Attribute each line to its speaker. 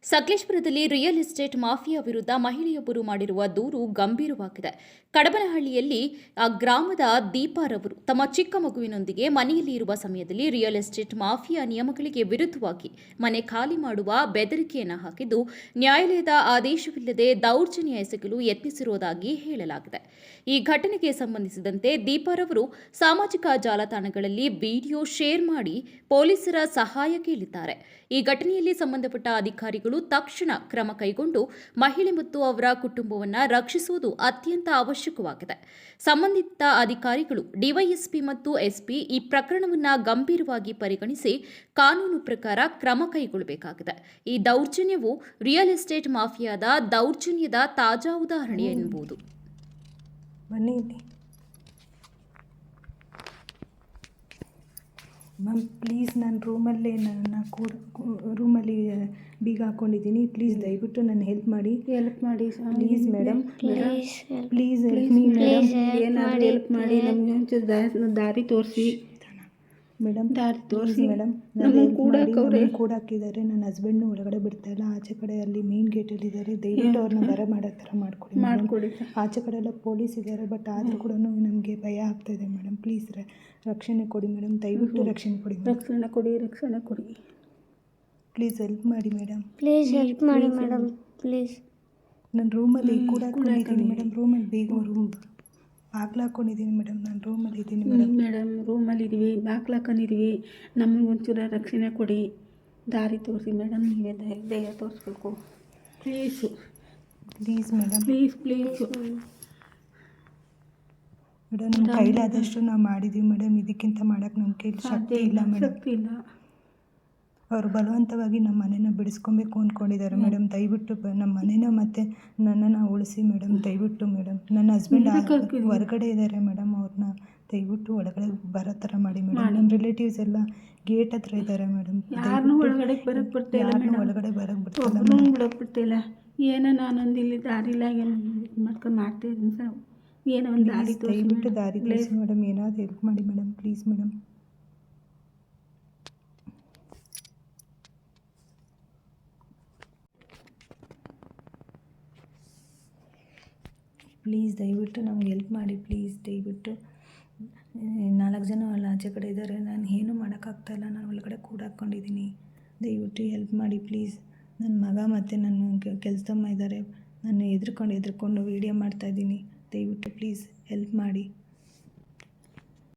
Speaker 1: ಸಕಲೇಶಪುರದಲ್ಲಿ real estate mafia ವಿರುದ್ಧ ಮಹಿಳೆಯೊಬ್ಬರು ಮಾಡಿರುವ ದೂರು ಗಂಭೀರವಾಗಿದೆ. ಕಡಬನಹಳ್ಳಿಯಲ್ಲಿ ಗ್ರಾಮದ ದೀಪಾರವರು ತಮ್ಮ ಚಿಕ್ಕ ಮಗುವಿನೊಂದಿಗೆ ಮನೆಯಲ್ಲಿ ಇರುವ ಸಮಯದಲ್ಲಿ ರಿಯಲ್ ಎಸ್ಟೇಟ್ ಮಾಫಿಯಾ ನಿಯಮಗಳಿಗೆ ವಿರುದ್ಧವಾಗಿ ಮನೆ ಖಾಲಿ ಮಾಡುವ ಬೆದರಿಕೆಯನ್ನು ಹಾಕಿದ್ದು, ನ್ಯಾಯಾಲಯದ ಆದೇಶವಿಲ್ಲದೆ ದೌರ್ಜನ್ಯ ಎಸಗಲು ಯತ್ನಿಸಿರುವುದಾಗಿ ಹೇಳಲಾಗಿದೆ. ಈ ಘಟನೆಗೆ ಸಂಬಂಧಿಸಿದಂತೆ ದೀಪಾರವರು ಸಾಮಾಜಿಕ ಜಾಲತಾಣಗಳಲ್ಲಿ ವಿಡಿಯೋ ಶೇರ್ ಮಾಡಿ ಪೊಲೀಸರ ಸಹಾಯ ಕೇಳಿದ್ದಾರೆ. ಈ ಘಟನೆಯಲ್ಲಿ ಸಂಬಂಧಪಟ್ಟ ಅಧಿಕಾರಿಗಳು ತಕ್ಷಣ ಕ್ರಮ ಕೈಗೊಂಡು ಮಹಿಳೆ ಮತ್ತು ಅವರ ಕುಟುಂಬವನ್ನು ರಕ್ಷಿಸುವುದು ಅತ್ಯಂತ ಅವಶ್ಯಕವಾಗಿದೆ. ಸಂಬಂಧಿತ ಅಧಿಕಾರಿಗಳು ಡಿವೈಎಸ್ಪಿ ಮತ್ತು ಎಸ್ಪಿ ಈ ಪ್ರಕರಣವನ್ನು ಗಂಭೀರವಾಗಿ ಪರಿಗಣಿಸಿ ಕಾನೂನು ಪ್ರಕಾರ ಕ್ರಮ ಕೈಗೊಳ್ಳಬೇಕಾಗಿದೆ. ಈ ದೌರ್ಜನ್ಯವು ರಿಯಲ್ ಎಸ್ಟೇಟ್ ಮಾಫಿಯಾದ ದೌರ್ಜನ್ಯದ ತಾಜಾ ಉದಾಹರಣೆ ಎನ್ನಬಹುದು.
Speaker 2: ಮ್ಯಾಮ್ ಪ್ಲೀಸ್, ನಾನು ರೂಮಲ್ಲಿ ಬೀಗ ಹಾಕ್ಕೊಂಡಿದ್ದೀನಿ. ಪ್ಲೀಸ್ ದಯವಿಟ್ಟು ನನ್ನ ಹೆಲ್ಪ್ ಮಾಡಿ please madam. Please help me madam.
Speaker 3: ಏನಾದರೂ ಹೆಲ್ಪ್ ಮಾಡಿ, ನಮಗೆ ಒಂಚೂರು ದಾರಿ ತೋರಿಸಿ
Speaker 2: ಮೇಡಮ್.
Speaker 3: ದಾರಿ ತೋರಿಸಿ
Speaker 2: ಮೇಡಮ್. ಕೂಡ ಹಾಕಿದ್ದಾರೆ. ನನ್ನ ಹಸ್ಬೆಂಡ್ನು ಒಳಗಡೆ ಬಿಡ್ತಾಯಿಲ್ಲ. ಆಚೆ ಕಡೆ ಅಲ್ಲಿ ಮೇನ್ ಗೇಟಲ್ಲಿ ಇದ್ದಾರೆ. ದಯವಿಟ್ಟು ಅವ್ರನ್ನ ಬರ ಮಾಡೋ ಥರ ಮಾಡಿಕೊಡಿ. ಆಚೆ ಕಡೆ ಎಲ್ಲ ಪೊಲೀಸ್ ಇದ್ದಾರೆ, ಬಟ್ ಆದರೂ ಕೂಡ ನಮಗೆ ಭಯ ಆಗ್ತಾಯಿದೆ ಮೇಡಮ್. ಪ್ಲೀಸ್ ರಕ್ಷಣೆ ಕೊಡಿ ಮೇಡಮ್. ದಯವಿಟ್ಟು ರಕ್ಷಣೆ ಕೊಡಿ.
Speaker 3: ರಕ್ಷಣೆ ಕೊಡಿ.
Speaker 2: ಪ್ಲೀಸ್ ಹೆಲ್ಪ್ ಮಾಡಿ ಮೇಡಮ್.
Speaker 4: ಪ್ಲೀಸ್ ಹೆಲ್ಪ್ ಮಾಡಿ ಮೇಡಮ್. ಪ್ಲೀಸ್.
Speaker 2: ನಾನು ರೂಮಲ್ಲಿ ಕೂಡ ಹಾಕ್ಕೊಂಡಿದ್ದೀನಿ ಮೇಡಮ್. ರೂಮಲ್ಲಿ ಬೇಗ ಬಾಗ್ಲು ಹಾಕ್ಕೊಂಡಿದ್ದೀನಿ ಮೇಡಮ್. ನಾನು ರೂಮಲ್ಲಿ ಇದ್ದೀನಿ
Speaker 3: ಮೇಡಮ್. ರೂಮಲ್ಲಿದ್ದೀವಿ, ಬಾಗ್ಲು ಹಾಕೊಂಡಿದ್ದೀವಿ. ನಮಗೆ ಒಂಚೂರು ರಕ್ಷಣೆ ಕೊಡಿ, ದಾರಿ ತೋರಿಸಿ ಮೇಡಮ್. ನೀವೇ ದಯ ತೋರಿಸ್ಬೇಕು
Speaker 2: ಪ್ಲೀಸ್ ಮೇಡಮ್.
Speaker 3: ಪ್ಲೀಸ್
Speaker 2: ಮೇಡಮ್, ನಮ್ಮ ಕೈಲಾದಷ್ಟು ನಾವು ಮಾಡಿದ್ದೀವಿ ಮೇಡಮ್. ಇದಕ್ಕಿಂತ ಮಾಡೋಕ್ಕೆ ನಮ್ಮ ಕೈಲಿ ಶಕ್ತಿ ಇಲ್ಲ ಮೇಡಮ್. ಅವರು ಬಲವಂತವಾಗಿ ನಮ್ಮ ಮನೇನ ಬಿಡಿಸ್ಕೊಬೇಕು ಅಂದ್ಕೊಂಡಿದ್ದಾರೆ ಮೇಡಮ್. ದಯವಿಟ್ಟು ನಮ್ಮ ಮನೇನ ಮತ್ತು ನನ್ನನ್ನು ಉಳಿಸಿ ಮೇಡಮ್. ದಯವಿಟ್ಟು ಮೇಡಮ್. ನನ್ನ ಹಸ್ಬೆಂಡ್ ಹೊರಗಡೆ ಇದ್ದಾರೆ ಮೇಡಮ್. ಅವ್ರನ್ನ ದಯವಿಟ್ಟು ಒಳಗಡೆ ಬರೋ ಥರ ಮಾಡಿ ಮೇಡಮ್. ನಮ್ಮ ರಿಲೇಟಿವ್ಸ್ ಎಲ್ಲ ಗೇಟ್ ಹತ್ರ ಇದ್ದಾರೆ ಮೇಡಮ್.
Speaker 3: ಒಳಗಡೆ ಬರೋಕ್ಕೆ ಬಿಡ್ತಿಲ್ಲ. ಏನೋ ನಾನೊಂದು ಇಲ್ಲಿ ದಾರಿಲ್ಲ ಮಾಡ್ತಾಯಿದ್ದೀನಿ ಸರ್. ಏನೋ ಒಂದು ದಾರಿ
Speaker 2: ದಯವಿಟ್ಟು ದಾರಿ ತೋರಿಸಿ ಮೇಡಮ್. ಏನಾದರೂ ಹೆಲ್ಪ್ ಮಾಡಿ ಮೇಡಮ್. Please madam. ಪ್ಲೀಸ್ ದಯವಿಟ್ಟು ನಮ್ಗೆ ಹೆಲ್ಪ್ ಮಾಡಿ. ಪ್ಲೀಸ್ ದಯವಿಟ್ಟು. 4 ಜನ ಅಲ್ಲಿ ಆಚೆ ಕಡೆ ಇದ್ದಾರೆ. ನಾನು ಏನೂ ಮಾಡೋಕ್ಕಾಗ್ತಾಯಿಲ್ಲ. ನಾನು ಒಳಗಡೆ ಕೂಡ ಹಾಕ್ಕೊಂಡಿದ್ದೀನಿ. ದಯವಿಟ್ಟು ಹೆಲ್ಪ್ ಮಾಡಿ ಪ್ಲೀಸ್. ನನ್ನ ಮಗ ಮತ್ತು ನನ್ನ ಕೆಲಸದಮ್ಮ ಇದ್ದಾರೆ. ನಾನು ಹೆದ್ರ್ಕೊಂಡು ವೀಡಿಯೋ ಮಾಡ್ತಾಯಿದ್ದೀನಿ. ದಯವಿಟ್ಟು ಪ್ಲೀಸ್ ಹೆಲ್ಪ್ ಮಾಡಿ.